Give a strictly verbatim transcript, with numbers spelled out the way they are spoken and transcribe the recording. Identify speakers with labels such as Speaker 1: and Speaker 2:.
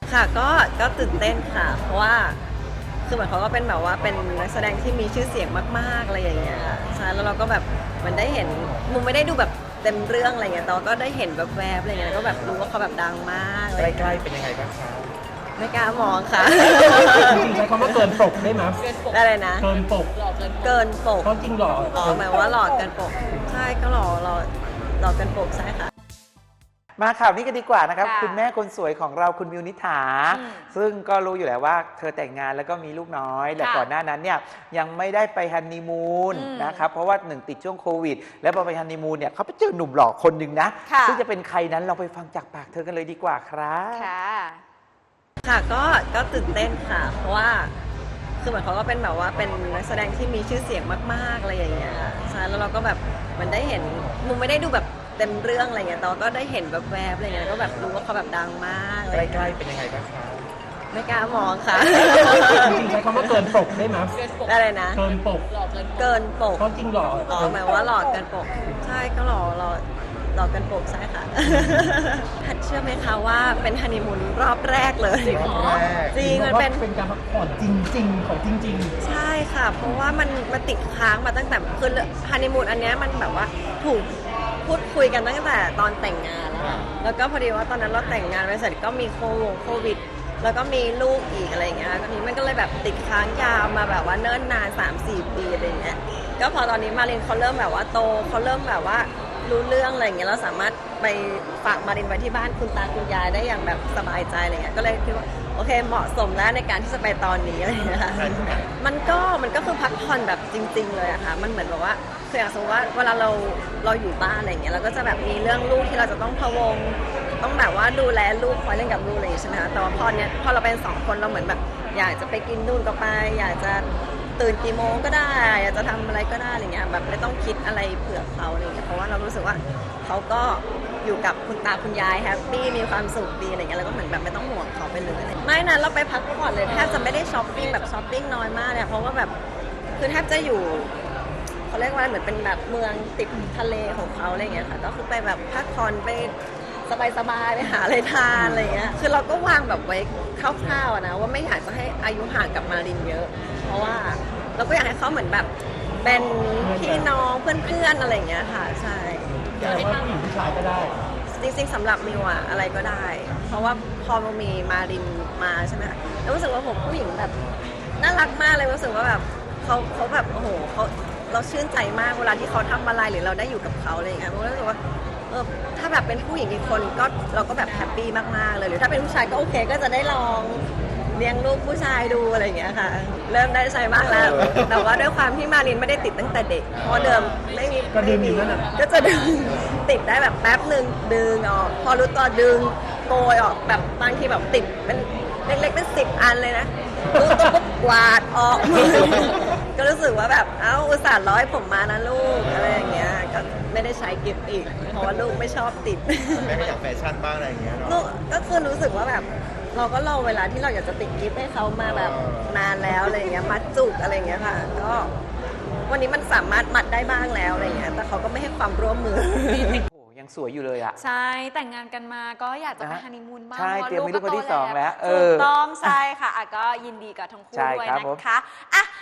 Speaker 1: ค่ะก็ก็ตื่นเต้นค่ะเพราะว่าคือเหมือนเขาก็เป็นแบบว่าเป็นนักแสดงที่มีชื่อเสียงมากๆอะไรอย่างเงี้ยค่ะใช่แล้วเราก็แบบเหมันได้เห็นมุมไม่ได้ดูแบบเต็มเรื่องอะไรเงี้ยแต่ว่าก็ได้เห็นแบบแวบๆอะไรเงี้ยก็แบบรู้ว่าเขาแบบดังมากอะไร
Speaker 2: ใกล้ๆเป็นยังไงบ้างครับ
Speaker 1: ไม่กล้ามองค่ะ
Speaker 2: จริงๆใช้คำว่าเกินปกได้ไหม
Speaker 1: ได้เลยนะ
Speaker 2: เกินปก
Speaker 1: เกินปก
Speaker 2: เพราะจริงหรอ
Speaker 1: อ๋อหมายว่าหลอกเกินปกใช่ก็หลอกหลอกหลอกเกินปกใช่ค่ะ
Speaker 3: มาข่าวนี้กันดีกว่านะครับ
Speaker 4: ค่ะ
Speaker 3: คุณแม่คนสวยของเราคุณมิวนิษฐา
Speaker 4: อืม
Speaker 3: ซึ่งก็รู้อยู่แล้วว่าเธอแต่งงานแล้วก็มีลูกน้อยแต่
Speaker 4: ค่ะ
Speaker 3: ก่อนหน้านั้นเนี่ยยังไม่ได้ไปฮันนีมูน
Speaker 4: อืม
Speaker 3: นะครับเพราะว่าหนึ่งติดช่วงโควิด แล้วพอไปฮันนีมูนเนี่ยเขาไปเจอหนุ่มหล่อคนหนึ่งนะ
Speaker 4: ค่ะ
Speaker 3: ซึ่งจะเป็นใครนั้นเราไปฟังจากปากเธอกันเลยดีกว่าครับ
Speaker 4: ค่ะ
Speaker 1: ค่ะก็ก็ตื่นเต้นค่ะ เพราะว่าคือเหมือนเขาก็เป็นแบบว่าเป็นนักแสดงที่มีชื่อเสียงมากๆอะไรอย่างเงี้ยใช่แล้วเราก็แบบเหมันได้เห็นมุมไม่ได้ดูแบบเต็มเรื่องอะไรเงี้ยแต่ว่าก็ได้เห็นแบบแวบๆอะไรเงี้ยก็แบบรู้ว่าเขาแบบดังมากอะไร
Speaker 2: ใกล้ๆเป็นยังไงบ้างครับ
Speaker 1: ไม่กล้ามองค่ะ
Speaker 2: จริงๆใช้คำว่าเกินปกได้ไหม
Speaker 1: ได้เลยนะ
Speaker 2: เกินปก
Speaker 1: เกินปก
Speaker 2: เพราะจริงหรอ
Speaker 1: อ๋อหมายว่าหลอกเกินปกใช่ก็หลอกหลอกหลอกเกินปกใช่ค่ะ หัดเชื่อไหมคะว่าเป็นฮันนีมูนรอบแรกเลย
Speaker 2: รอบแรก
Speaker 1: จริงมันเป็น
Speaker 2: เป็นการพักผ่อนจริงๆของจริง
Speaker 1: ใช่ค่ะ เพราะว่ามันมันติดค้างมาตั้งแต่คือฮันนีมูนอันเนี้ยมันแบบว่าถูกพูดคุยกันตั้งแต่ตอนแต่งงานแล้วอะแล้วก็พอดีว่าตอนนั้นเราแต่งงานไปเสร็จก็มีโควงโควิด แล้วก็มีลูกอีกอะไรอย่างเงี้ยตอนนี้มันก็เลยแบบติดค้างยาวมาแบบว่าเนิ่นนาน สามสี่ ปีอะไรอย่างเงี้ย ก็พอตอนนี้มารินเขาเริ่มแบบว่าโตเขาเริ่มแบบว่ารู้เรื่องอะไรอย่างเงี้ยเราสามารถไปฝากมารินไว้ที่บ้านคุณตาคุณยายได้อย่างแบบสบายใจอะไรเงี้ย ก็เลยคิดว่าโอเคเหมาะสมแล้วในการที่จะไปตอนนี้อะไรอย่างเงี้ยค่ะมันก็มันก็คือพักผ่อนแบบจริง ๆ เลยอะค่ะ มันเหมือนแบบว่าคืออย่างสมมติว่าเวลาเราเราอยู่บ้านอะไรอย่างเงี้ยเราก็จะแบบมีเรื่องลูกที่เราจะต้องพะวง ต้องแบบว่าดูแลลูกคอยเล่นกับลูกอะไรอย่างงี้ใช่ไหมคะแต่ว่าพอเนี้ยพอเราเป็นสองคนเราเหมือนแบบอยากจะไปกินนู่นก็ไป อยากจะตื่นกี่โมงก็ได้ อยากจะทำอะไรก็ได้อะไรเงี้ยแบบไม่ต้องคิดอะไรเผื่อเขาอะไรเงี้ยเพราะว่าเรารู้สึกว่าเขาก็อยู่กับคุณตาคุณยายแฮปปี้มีความสุขดีอะไรเงี้ยแล้วก็เหมือนแบบไม่ต้องห่วงเขาไปเลยไม่นะเราไปพักผ่อนเลยแทบจะไม่ได้ช้อปปิ้งแบบช้อปปิ้งน้อยมากเลยเพราะว่าแบบคือแทบจะอยู่เขาเรียกว่าเหมือนเป็นแบบเมืองติดทะเลของเขาอะไรเงี้ยค่ะก็คือไปแบบพักผ่อนไปสบายๆไปหาอะไรทานอะไรเงี้ยคือเราก็วางแบบไว้คร่าวๆนะว่าไม่อยากจะให้อายุห่างกับมารินเยอะ เพราะว่าเราก็อยากให้เขาเหมือนแบบเป็นพี่น้องเพื่อนๆอะไรอย่างเงี้ยค่ะใช่
Speaker 2: ๆแต่ว่าผู้หญิงผู้ชายก็ได้
Speaker 1: จริงๆสำหรับมิวอะอะไรก็ได้ เพราะว่าพอมันมีมารินมาใช่ไหมคะแล้วรู้สึกว่าผมผู้หญิงแบบน่ารักมากเลยรู้สึกว่าแบบเขาเขาแบบโอ้โหเขาเราชื่นใจมากเวลาที่เขาทำอะไรหรือเราได้อยู่กับเขาอะไรอย่างเงี้ยมิวรู้สึกว่าเออถ้าแบบเป็นผู้หญิงอีกคนก็เราก็แบบแฮปปี้มากๆเลยหรือถ้าเป็นผู้ชายก็โอเคก็จะได้ลองเลี้ยงลูกผู้ชายดูอะไรอย่างเงี้ยค่ะ เริ่มได้ใช้มากแล้ว แต่ว่าด้วยความที่มารินไม่ได้ติดตั้งแต่เด็กเพราะเดิมไม่มี
Speaker 2: ก็ดึ
Speaker 1: ไม่
Speaker 2: งอ
Speaker 1: มี
Speaker 2: ยู่นั่นน่ะ
Speaker 1: ก็จะดึง ติดได้แบบแป๊บหนึ่งดึงออกพอรู้ตัวดึงโกยออกแบบบางทีแบบติดเป็นเล็กๆเป็นสิบอันเลยนะรู้ตัวปุ๊บกวาดออก ก็รู้สึกว่าแบบเอ้าอุตส่าห์ร้อยผมมานะลูกอะไรอย่างเงี้ยก็ไม่ได้ใช้กิฟต์อีก เพราะว่าลูกไม่ชอบติด
Speaker 5: แม่ก็อยากแฟชั่นบ้างอะไรอย่างเงี้ยเนาะ
Speaker 1: ลูกก็คือรู้สึกว่าแบบเราก็รอเวลาที่เราอยากจะติดกิฟต์ให้เขามาแบบนานแล้วอะไรอย่างเงี้ยมัดจุกอะไรอย่างเงี้ยค่ะก็วันนี้มันสามารถมัดได้บ้างแล้วอะไรอย่างเงี้ยแต่เขาก็ไม่ให้ความร่วมมือ
Speaker 3: โอ้ยังสวยอยู่เลยอะ
Speaker 4: ใช่แต่งงานกันมาก็อยากจะไป
Speaker 3: นะ
Speaker 4: ฮันนีมูนบ้าง
Speaker 3: ใช่
Speaker 4: พาะว่า
Speaker 3: เตรียมมีลูกคนที่
Speaker 4: โต
Speaker 3: สองแล้วเออ
Speaker 4: ถูกต้องใช่ค่ะอ่ะก็ยินดีกับทั้งคู่
Speaker 3: ใช่
Speaker 4: ด้วย
Speaker 3: ครับ
Speaker 4: นะ
Speaker 3: ผม
Speaker 4: คะอ่ะ